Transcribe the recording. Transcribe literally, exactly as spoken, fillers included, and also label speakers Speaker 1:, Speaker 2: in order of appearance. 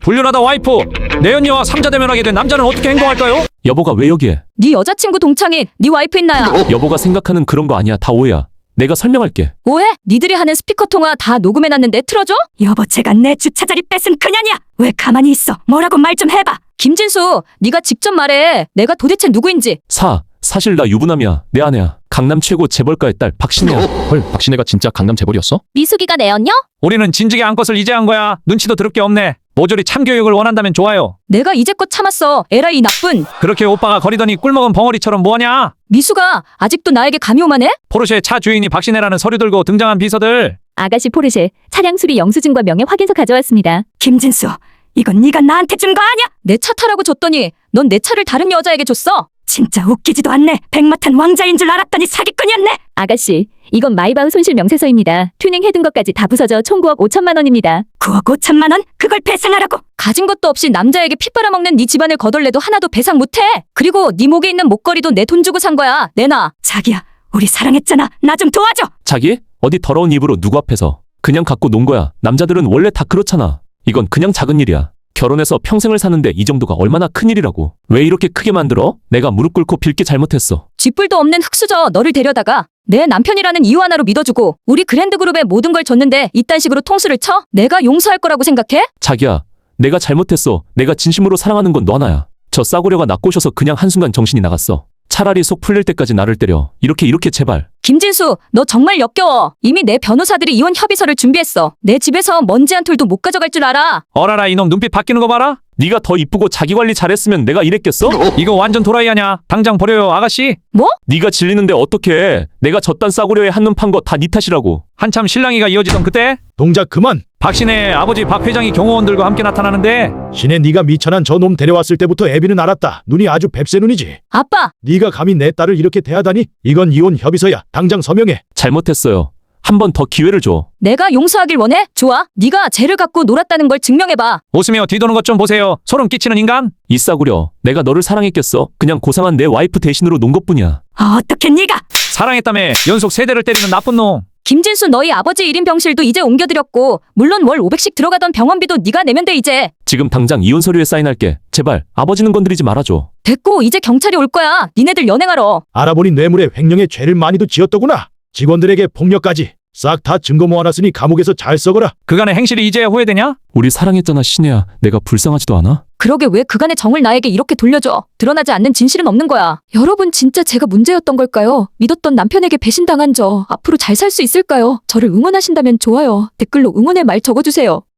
Speaker 1: 불륜하다 와이프. 내 언니와 삼자 대면하게 된 남자는 어떻게 행동할까요?
Speaker 2: 여보가 왜 여기에?
Speaker 3: 네 여자친구 동창인 네 와이프인 나야.
Speaker 2: 여보가 생각하는 그런 거 아니야. 다 오해야. 내가 설명할게.
Speaker 3: 오해? 니들이 하는 스피커 통화 다 녹음해놨는데 틀어줘?
Speaker 4: 여보, 제가 내 주차 자리 뺏은 그년이야. 왜 가만히 있어? 뭐라고 말 좀 해봐.
Speaker 3: 김진수, 네가 직접 말해. 내가 도대체 누구인지.
Speaker 2: 사, 사실 나 유부남이야. 내 아내야. 강남 최고 재벌가의 딸 박신혜야.
Speaker 5: 헐, 박신혜가 진짜 강남 재벌이었어?
Speaker 3: 미숙이가 내 언녀?
Speaker 1: 우리는 진즉에 안 것을 이제 한 거야. 눈치도 더럽게 없네. 모조리 참교육을 원한다면 좋아요.
Speaker 3: 내가 이제껏 참았어. 에라이 이 나쁜.
Speaker 1: 그렇게 오빠가 거리더니 꿀먹은 벙어리처럼 뭐하냐?
Speaker 3: 미숙아, 아직도 나에게 감이 오만해?
Speaker 1: 포르쉐 차 주인이 박신혜라는 서류 들고 등장한 비서들.
Speaker 6: 아가씨 포르쉐 차량 수리 영수증과 명예 확인서 가져왔습니다.
Speaker 4: 김진수, 이건 네가 나한테 준 거 아니야?
Speaker 3: 내 차 타라고 줬더니 넌 내 차를 다른 여자에게 줬어.
Speaker 4: 진짜 웃기지도 않네. 백마탄 왕자인 줄 알았더니 사기꾼이었네.
Speaker 6: 아가씨, 이건 마이바흐 손실 명세서입니다. 튜닝 해둔 것까지 다 부서져 총 구억 오천만 원입니다.
Speaker 4: 구억 오천만 원? 그걸 배상하라고?
Speaker 3: 가진 것도 없이 남자에게 피 빨아먹는 네 집안을 거덜내도 하나도 배상 못해. 그리고 네 목에 있는 목걸이도 내 돈 주고 산 거야. 내놔.
Speaker 4: 자기야, 우리 사랑했잖아. 나 좀 도와줘.
Speaker 2: 자기? 어디 더러운 입으로 누구 앞에서. 그냥 갖고 논 거야. 남자들은 원래 다 그렇잖아. 이건 그냥 작은 일이야. 결혼해서 평생을 사는데 이 정도가 얼마나 큰일이라고. 왜 이렇게 크게 만들어? 내가 무릎 꿇고 빌게 잘못했어.
Speaker 3: 쥐뿔도 없는 흙수저 너를 데려다가 내 남편이라는 이유 하나로 믿어주고 우리 그랜드그룹에 모든 걸 줬는데 이딴 식으로 통수를 쳐? 내가 용서할 거라고 생각해?
Speaker 2: 자기야, 내가 잘못했어. 내가 진심으로 사랑하는 건 너 하나야. 저 싸구려가 나 꼬셔서 그냥 한순간 정신이 나갔어. 차라리 속 풀릴 때까지 나를 때려. 이렇게 이렇게 제발.
Speaker 3: 김진수, 너 정말 역겨워. 이미 내 변호사들이 이혼 협의서를 준비했어. 내 집에서 먼지 한 톨도 못 가져갈 줄 알아.
Speaker 1: 어라라 이놈 눈빛 바뀌는 거 봐라.
Speaker 2: 네가 더 이쁘고 자기 관리 잘했으면 내가 이랬겠어?
Speaker 1: 이거 완전 도라이 아냐. 당장 버려요 아가씨.
Speaker 3: 뭐?
Speaker 2: 네가 질리는데 어떡해. 내가 저딴 싸구려에 한눈 판 거 다 네 탓이라고.
Speaker 1: 한참 실랑이가 이어지던 그때
Speaker 7: 동작 그만.
Speaker 1: 박신혜의 아버지 박 회장이 경호원들과 함께 나타나는데
Speaker 7: 신혜, 네가 미천한 저 놈 데려왔을 때부터 애비는 알았다. 눈이 아주 뱁새 눈이지.
Speaker 3: 아빠,
Speaker 7: 네가 감히 내 딸을 이렇게 대하다니. 이건 이혼 협의서야. 당장 서명해.
Speaker 2: 잘못했어요. 한 번 더 기회를 줘.
Speaker 3: 내가 용서하길 원해? 좋아. 네가 죄를 갖고 놀았다는 걸 증명해봐.
Speaker 1: 웃으며 뒤도는 것 좀 보세요. 소름 끼치는 인간.
Speaker 2: 이 싸구려. 내가 너를 사랑했겠어? 그냥 고상한 내 와이프 대신으로 논 것뿐이야.
Speaker 4: 아, 어떻게 네가?
Speaker 1: 사랑했다며 연속 세 대를 때리는 나쁜 놈.
Speaker 3: 김진수, 너희 아버지 일 인 병실도 이제 옮겨드렸고 물론 월 오백씩 들어가던 병원비도 네가 내면 돼 이제.
Speaker 2: 지금 당장 이혼 서류에 사인할게. 제발 아버지는 건드리지 말아줘.
Speaker 3: 됐고 이제 경찰이 올 거야. 니네들 연행하러.
Speaker 7: 알아보니 뇌물에 횡령의 죄를 많이도 지었더구나. 직원들에게 폭력까지. 싹 다 증거 모아놨으니 감옥에서 잘 썩어라.
Speaker 1: 그간의 행실이 이제야 후회되냐?
Speaker 2: 우리 사랑했잖아 신혜야. 내가 불쌍하지도 않아?
Speaker 3: 그러게 왜 그간의 정을 나에게 이렇게 돌려줘. 드러나지 않는 진실은 없는 거야. 여러분, 진짜 제가 문제였던 걸까요? 믿었던 남편에게 배신당한 저 앞으로 잘 살 수 있을까요? 저를 응원하신다면 좋아요, 댓글로 응원의 말 적어주세요.